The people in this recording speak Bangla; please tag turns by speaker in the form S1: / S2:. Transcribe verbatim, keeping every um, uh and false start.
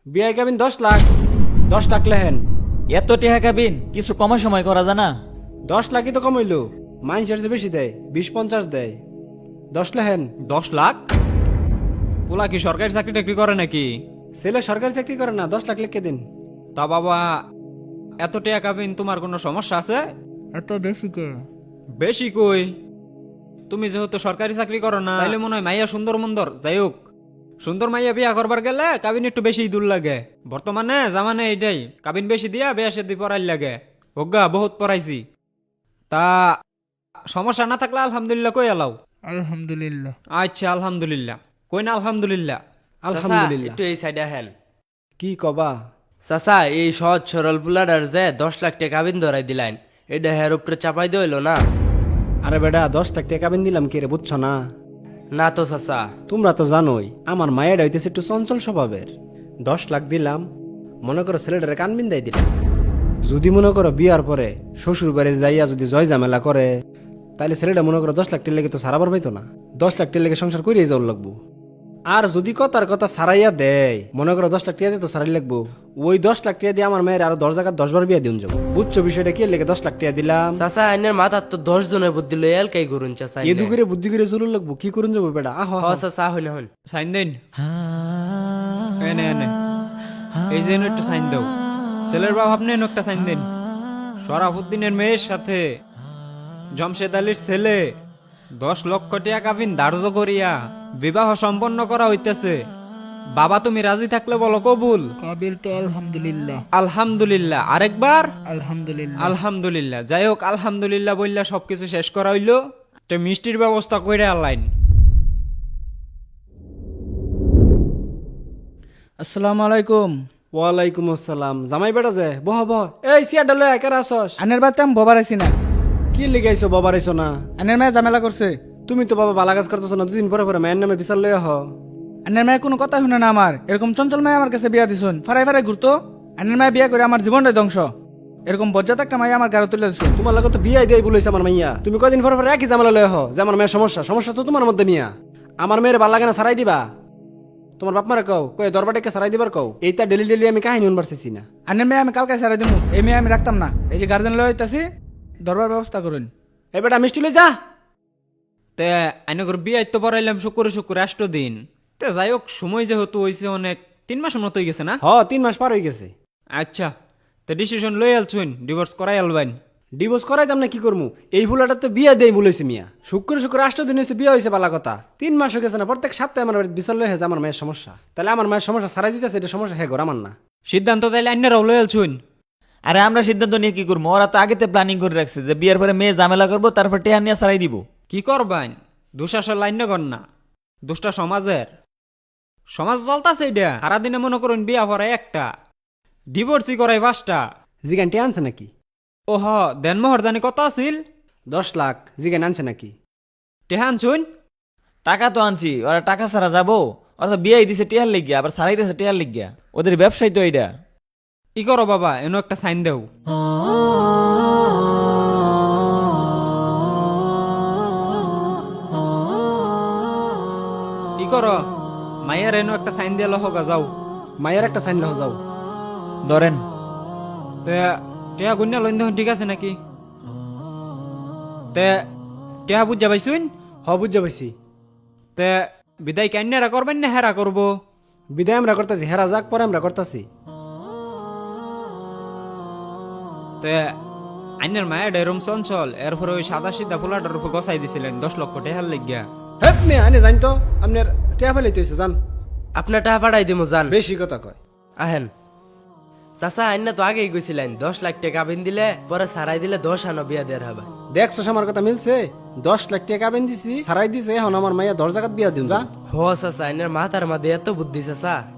S1: বিয়ে কাবিন দশ লাখ। দশ লাখ লেহেন।
S2: এত টেহা কাবিন কিছু কমার সময় করা জানা।
S1: দশ লাখই তো কমাইল। মানুষের যে বেশি দেয়, বিশ পঞ্চাশ দেয়। দশ লেহেন।
S3: দশ লাখ? পোলা কি সরকারি চাকরি টাকরি করে নাকি?
S1: ছেলে সরকারি চাকরি করে না, দশ লাখ লিখে দিন।
S3: তা বাবা, এত টাকা কাবিন তোমার কোনো সমস্যা আছে?
S4: এত বেশি কে?
S3: বেশি কই, তুমি যেহেতু সরকারি চাকরি করো না, তাইলে মনে হয় মাইয়া সুন্দর মন্দর। যাই হোক, সুন্দর মাইয়া বিয়া করবার গেলে কাবিন একটু বেশি দূর লাগে। বর্তমানে জামানে এইটাই, কাবিন বেশি দিয়া বিয়া সে পড়াই লাগে। হোগা বহুত পড়াইছি। তা সমস্যা না থাকলে আলহামদুলিল্লাহ কই এলাও।
S4: আলহামদুলিল্লাহ।
S3: আচ্ছা আলহামদুলিল্লাহ, কই না আলহামদুলিল্লাহ।
S1: আলহামদুলিল্লাহ।
S5: একটু এই সাইডে হেন।
S1: কি কবা?
S5: চাচা, এই সহজ সরল পুলাডার যে দশ লাখ টাকা কাবিন ধরাই দিলেন, এটা হের উপরে চাপাই দিল না?
S1: আরে বেটা, দশ লাখ টাকা কাবিন দিলাম কে রে, বুঝছো না?
S5: না তো চাচা।
S1: তোমরা তো জানোই আমার মায়ের হইতেছে একটু চঞ্চল স্বভাবের। দশ লাখ দিলাম, মনে করো ছেলেটারে কান বিন্দাই দিলাম। যদি মনে করো বিয়ার পরে শ্বশুর বাড়ি যাইয়া যদি জয় ঝামেলা করে, তাহলে ছেলেটা মনে করো দশ লাখ টের লেগে তো সারাবার পাইতো না। দশ লাখ টের লেগে সংসার করিয়ে যাওয়ার লাগবো। আর যদি কথার কথা সারাইয়া দেয়, মনে করো দশ লাখ টাকা দিয়ে তো সারাই লাগবো, ওই দশ লাখ টাকা দিয়ে আমার মেয়ের আরো দশ জায়গায় দশ বার বিয়া দিন যাবো। বুঝছো বিষয়টা? কি লেগে দশ লাখ টাকা দিলাম?
S5: চাচা, আইনের মাথার তো দশ জনের বুদ্ধি লই এলকাই করুন চাচা।
S1: এদু করে বুদ্ধি করে চলুন লাগবো, কি করুন যাবো বেটা? আহ
S5: হ চাচা, হইন হইন।
S3: সাইন দেন। এনে এনে এই যে এনে একটু সাইন দাও। ছেলের বাপ আপনি এনে একটা সাইন দেন। শরাফুদ্দিনের মেয়ের সাথে জমশেদ আলীর ছেলে দশ লক্ষ টাকা কাবিন ধার্য করিয়া বিবাহ সম্পন্ন করা হইতেছে। বাবা তুমি রাজি থাকলে বলো কবুল।
S4: কাবিল তো আলহামদুলিল্লাহ।
S3: আলহামদুলিল্লাহ। আরেকবার
S4: আলহামদুলিল্লাহ।
S3: আলহামদুলিল্লাহ। যাই হোক, আলহামদুলিল্লাহ বললা সবকিছু শেষ করা হইলো। একটা মিষ্টির ব্যবস্থা করে আনলাইন।
S4: আসসালামু আলাইকুম।
S1: ওয়ালাইকুম আসসালাম। জামাই বেটা যে, বহ বহ। এই সিয়া ডালে একা আসস?
S4: আনের বাড়িতে আমি ববার আছি না।
S1: কি লিগাইছো বাবার আইছো না?
S4: আনের মেয়ে ঝামেলা করছে।
S1: তুমি তো বাবা বালা কাজ করতেছো না, দুদিন পরে পরে মায়ের নামে বিচার লইয়া হ।
S4: আনের মেয়ে কোনো কথা শুনে না আমার। এরকম চঞ্চল মেয়ে আমার কাছে বিয়া দিছুন, ফারাই ফারাই ঘুরতো। আনের মেয়ে বিয়া করে আমার জীবনটাই ধ্বংস। এরকম বজ্জাত একটা মাইয়া আমার গাড়ি তুলে দিছুন।
S1: তোমার লাগে তো বিয়ে দিয়ে বলেছে আমার মাইয়া। তুমি কদিন পরে পরে একই ঝামেলা লইয়া হ যে আমার মেয়ের সমস্যা। সমস্যা তো তোমার মধ্যে মিয়া। আমার মেয়ের ভাল লাগে না, সারাই দিবা। তোমার বাপ মারা কও, কয়ে দরবারটাকে সারাই দিবার কও। এইটা ডেলি ডেলি আমি কাহিনী শুনবার চাইছি না।
S4: আনের মেয়ে আমি কালকে সারাই দিমু। এই মেয়ে আমি রাখতাম না। এই যে গার্জেন লয়ে হইতাছি, দরবার ব্যবস্থা করুন।
S1: এই বেটা মিষ্টি লই যা।
S3: তে আইনগর বিয়ে তো পড়াইলাম শুক্রে শুক্রে আষ্ট দিন। তে যাই হোক, সময় যেহেতু হয়েছে অনেক, তিন মাসের মতো হয়ে গেছে না?
S1: হ, তিন মাস পার হয়ে গেছে।
S3: আচ্ছা, তো ডিসিশন লই আলছুন, ডিভোর্স করাই আলবাইন।
S1: ডিভোর্স করাইতাম না, কি করমু? এই ফুলাটাতে বিয়ে দেই বলেছে মিয়া। শুক্র শুক্র আষ্ট দিন হয়েছে বিয়ে হয়েছে, বালা কথা। তিন মাস হয়ে গেছে না? প্রত্যেক সপ্তাহে আমার বাড়িতে বিচার লই হয়েছে আমার মায়ের সমস্যা। তাহলে আমার মায়ের সমস্যা সারাই দিতেছে, এটা সমস্যা হ্যাঁ ঘর আমার না।
S3: সিদ্ধান্ত তাইলে আইনারাও লই আলছুন।
S2: আরে আমরা সিদ্ধান্ত নিয়ে কি করবো? ওরা তো আগেতে প্ল্যানিং করে রাখছে যে বিয়ের পরে মেয়ে ঝামেলা করবো, তারপর টেহা নিয়ে সারাই দিব।
S3: কি করবাইন? দুঃশাসন লাইন কর না, দুষ্টা সমাজের। সমাজ চলতাছে এটা। সারাদিনে মনে করুন বিয়া পড়ায় একটা, ডিভোর্সই করাই পাঁচটা।
S1: জিগানটি আনছে নাকি?
S3: ওহ, দেনমোহর জানি কত আছিল?
S1: দশ লাখ। জিগান আনছে নাকি?
S3: টেহান শুন।
S2: টাকা তো আনছি, ওরা টাকা ছাড়া যাবো? ওরা তো বিয়ে দিছে টেহার লিগিয়া, আবার সারাই দিছে টেহার লিগিয়া। ওদের ব্যবসায় তো এইটা।
S3: ই করো বাবা, এনো একটা সাইন দেও। ই করো, মাইয়ার এনো একটা সাইন দিয়ে লহগা যাও।
S1: মায়ের একটা সাইন লহ যাও।
S2: ধরেন।
S3: তে টেহা গুন্যা লইন দেখুন, ঠিক আছে নাকি? তে টেহা বুঝা পাইছুন?
S1: হ, বুঝা পাইছি।
S3: তে বিদায় কান্যারা করবেন না হেরা করবো?
S1: বিদায় আমরা করতেছি, হেরা যাক পরে আমরা করতেছি।
S3: তে আইনের মায়ের এরম চঞ্চল, এরপরে ওই সাদা সিধা ফুলাটার উপর গসাই দিছিলেন দশ লক্ষ টেহার লাগিয়া।
S1: হেপ মেয়ে আনে জানি তো আপনার টেয়া ফেলাইতে হয়েছে, জান।
S5: আপনার টাকা পাঠাই দিমু জান।
S1: বেশি কথা কয়।
S5: আহেন। চাচা, আইনা তো আগেই গেছিলেন দশ লাখ টাকা কাবিন দিলে পরে সারাই দিলে দশ আনো বিয়া দেওয়ার হবে।
S1: দেখছো আমার কথা মিলছে? দশ লাখ টাকা বেন দিছি, সারাই দিছে। এখন আমার মাইয়া দশ জায়গাত বিয়া দিন যা।
S5: হ চাচা, আইনের মাথার মাঝে এত বুদ্ধি চাচা।